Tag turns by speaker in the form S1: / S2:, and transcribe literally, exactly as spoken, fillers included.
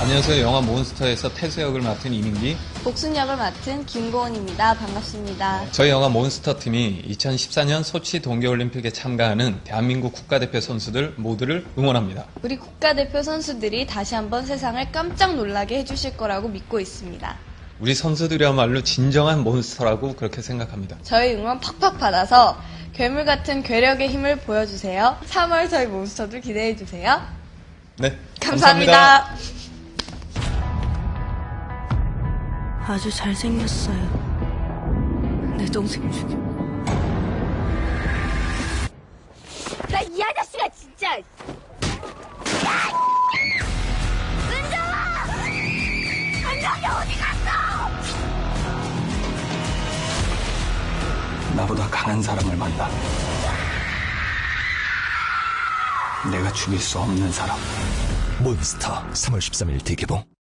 S1: 안녕하세요. 영화 몬스터에서 태수 역을 맡은 이민기,
S2: 복순 역을 맡은 김고은입니다. 반갑습니다.
S1: 저희 영화 몬스터 팀이 이천십사 년 소치 동계올림픽에 참가하는 대한민국 국가대표 선수들 모두를 응원합니다.
S2: 우리 국가대표 선수들이 다시 한번 세상을 깜짝 놀라게 해주실 거라고 믿고 있습니다.
S1: 우리 선수들이야말로 진정한 몬스터라고 그렇게 생각합니다.
S2: 저희 응원 팍팍 받아서 괴물 같은 괴력의 힘을 보여주세요. 삼월 저희 몬스터들 기대해주세요.
S1: 네,
S2: 감사합니다.
S1: 감사합니다.
S3: 아주 잘생겼어요. 내 동생 중에.
S4: 나 이 아저씨가 진짜. 은정아! 은정이 어디 갔어?
S5: 나보다 강한 사람을 만나. 내가 죽일 수 없는 사람.
S6: 몬스터 삼월 십삼일 대개봉.